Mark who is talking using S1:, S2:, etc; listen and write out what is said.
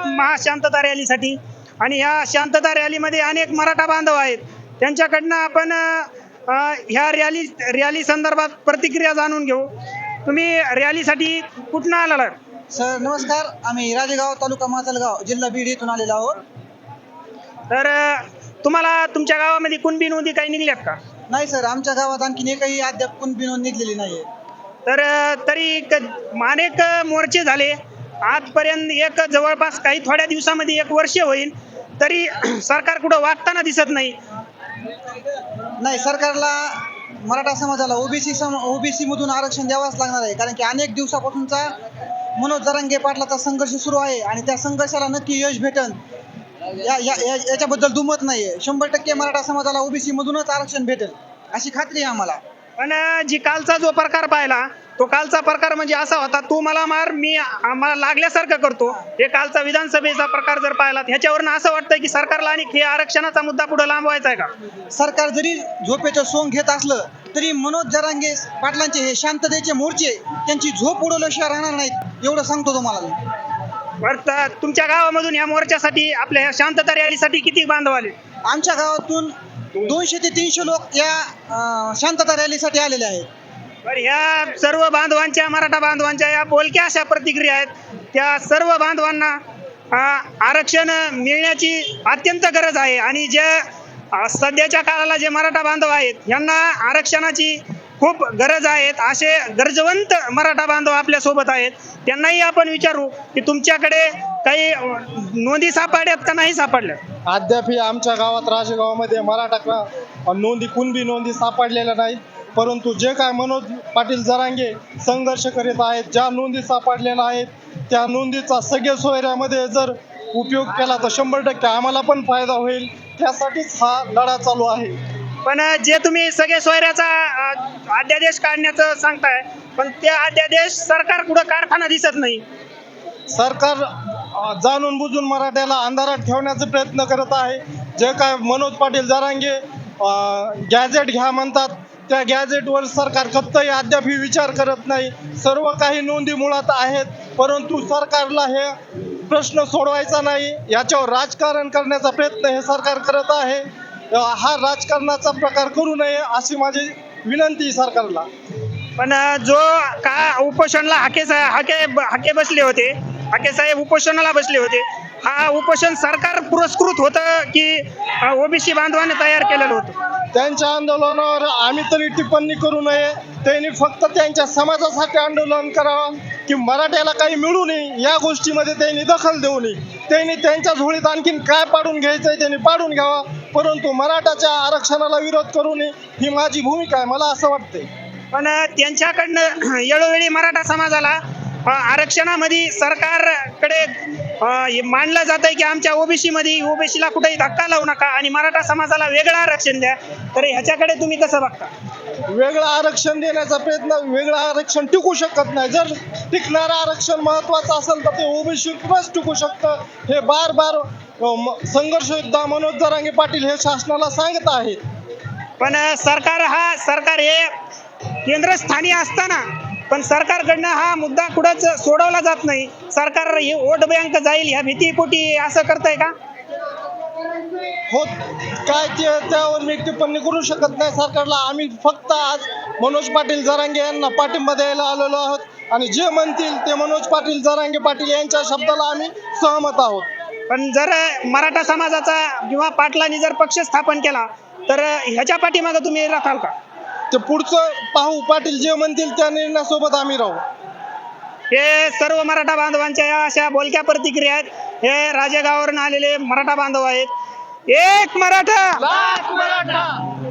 S1: महाशांतता रॅलीसाठी. आणि ह्या शांतता रॅलीमध्ये अनेक मराठा बांधव आहेत. त्यांच्याकडनं आपण ह्या रॅली संदर्भात प्रतिक्रिया जाणून घेऊ. तुम्ही रॅलीसाठी कुठनं आलेला?
S2: सर नमस्कार, आम्ही राजेगाव तालुका माजलगाव जिल्हा बीड येथून आलेलो आहोत.
S1: तर तुम्हाला तुमच्या गावामध्ये कुणबी नोंदी काही निघल्यात का?
S2: नाही सर, आमच्या गावात आणखीन एकही अद्याप कुणबी नोंद निघलेली नाहीये.
S1: तर तरी अनेक मोर्चे झाले आजपर्यंत. एक जवळपास काही थोड्या दिवसामध्ये 1 वर्ष होईल, तरी सरकार कुठं वागताना दिसत नाही.
S2: नाही, सरकारला मराठा समाजाला ओबीसी मधून आरक्षण द्यावंच लागणार आहे. कारण की अनेक दिवसापासूनचा मनोज जरांगे पाटलाचा संघर्ष सुरू आहे आणि त्या संघर्षाला नक्की यश भेटन याच्याबद्दल दुमत नाहीये. 100% मराठा समाजाला ओबीसी मधूनच आरक्षण भेटेल अशी खात्री आहे आम्हाला.
S1: पण जी कालचा जो प्रकार पाहिला, तो कालचा प्रकार म्हणजे असा होता, तू मला मार मी मला लागल्यासारखं करतो. हे कालचा विधानसभेचा प्रकार जर पाहिला, ह्याच्यावरून असं वाटतंय की सरकारला आणि हे आरक्षणाचा मुद्दा पुढे लांबवायचा आहे का?
S2: सरकार जरी झोपेचं सोंग घेत असलं तरी मनोज जरांगे पाटलांचे हे शांततेचे मोर्चे त्यांची झोप उडवल्याशिवाय राहणार नाहीत, एवढं सांगतो तुम्हाला.
S1: तुमच्या गावामधून या मोर्चासाठी, आपल्या ह्या शांतता रॅलीसाठी किती बांधव आले?
S2: आमच्या गावातून 200 ते 300 लोक या शांतता रॅलीसाठी आलेले आहेत.
S1: बरं, ह्या सर्व बांधवांच्या, मराठा बांधवांच्या या बोलक्या अशा प्रतिक्रिया आहेत. त्या सर्व बांधवांना आरक्षण मिळण्याची अत्यंत गरज आहे. आणि जे सध्याच्या काळाला जे मराठा बांधव आहेत यांना आरक्षणाची खूप गरज आहेत. असे गरजवंत मराठा बांधव आपल्या सोबत आहेत. त्यांनाही आपण विचारू की तुमच्याकडे काही नोंदी सापडल्यात का नाही सापडल्या?
S3: अद्याप आमच्या गावात राजेगावामध्ये मराठा नोंदी, कुणबी नोंदी सापडलेल्या नाहीत. परंतु जे काय मनोज पाटील जरांगे संघर्ष करीत आहेत, ज्या नोंदी सापडलेल्या आहेत त्या नोंदीचा सगळ्या सोयऱ्यामध्ये जर उपयोग केला तर 100% आम्हाला पण फायदा होईल. त्यासाठीच हा लढा चालू आहे.
S1: पण जे तुम्ही सगळे सोयऱ्याचा अध्यादेश काढण्याचं सांगताय, पण त्या अध्यादेश सरकार कुठं कारखाना दिसत नाही.
S3: सरकार जाणून बुजून मराठ्याला अंधारात ठेवण्याचा प्रयत्न करत आहे. जे काय मनोज पाटील जरांगे गॅजेट घ्या म्हणतात, त्या गॅजेटवर सरकार कत्तही अद्याप विचार करत नाही. सर्व काही नोंदी मुळात आहेत, परंतु सरकारला हे प्रश्न सोडवायचा नाही, याच्यावर राजकारण करण्याचा प्रयत्न हे सरकार करत आहे. हा राजकारणाचा प्रकार करू नये अशी माझी विनंती सरकारला.
S1: पण जो का उपोषणला हाके बसले होते, हाके साहेब उपोषणाला बसले होते, हा उपोषण सरकार पुरस्कृत होतं की ओबीसी बांधवाने तयार केलेलं होतं?
S3: त्यांच्या आंदोलनावर आम्ही तरी टिप्पणी करू नये. त्यांनी फक्त त्यांच्या समाजासाठी आंदोलन करावं की मराठ्याला काही मिळू नये या गोष्टीमध्ये त्यांनी दखल देऊ नये. त्यांनी त्यांच्या झोळीत आणखीन काय पाडून घ्यायचंय त्यांनी पाडून घ्यावा, परंतु मराठाच्या आरक्षणाला विरोध करू नये ही माझी भूमिका आहे, मला असं वाटतंय.
S1: पण त्यांच्याकडनं वेळोवेळी मराठा समाजाला आरक्षणामध्ये सरकारकडे मानलं जात आहे की आमच्या ओबीसीला कुठेही धक्का लावू नका आणि मराठा समाजाला वेगळं आरक्षण द्या. तर ह्याच्याकडे तुम्ही कसं बघता?
S3: वेगळं आरक्षण देण्याचा प्रयत्न, वेगळं आरक्षण टिकू शकत नाही. जर टिकणारं आरक्षण महत्वाचं असेल तर ते ओबीसीतूनच टिकू शकतं. हे बार संघर्ष योद्धा मनोज जरांगे पाटील हे शासनाला सांगत आहेत.
S1: पण सरकार हे केंद्रस्थानी असताना पण सरकारकडनं हा मुद्दा कुठंच सोडवला जात नाही. सरकार हे वोट बँक जाईल ह्या भीतीपोटी असं करतंय का?
S3: हो, काय त्यावर मी टिप्पणी करू शकत नाही सरकारला. आम्ही फक्त आज मनोज पाटील जरांगे यांना पाठिंबा द्यायला आलेलो आहोत आणि जे म्हणतील ते मनोज पाटील जरांगे पाटील यांच्या शब्दाला आम्ही सहमत आहोत.
S1: पण जर मराठा समाजाचा किंवा पाटलांनी जर पक्ष स्थापन केला तर ह्याच्या पाठीमागे तुम्ही राखाल का?
S3: ते पुढचं पाहू. पाटील जे म्हणतील त्या निर्णयासोबत आम्ही राहू.
S1: हे सर्व मराठा बांधवांच्या या अशा बोलक्या प्रतिक्रिया आहेत. हे राजेगावावरून आलेले मराठा बांधव आहेत. एक मराठा,
S3: लाख मराठा.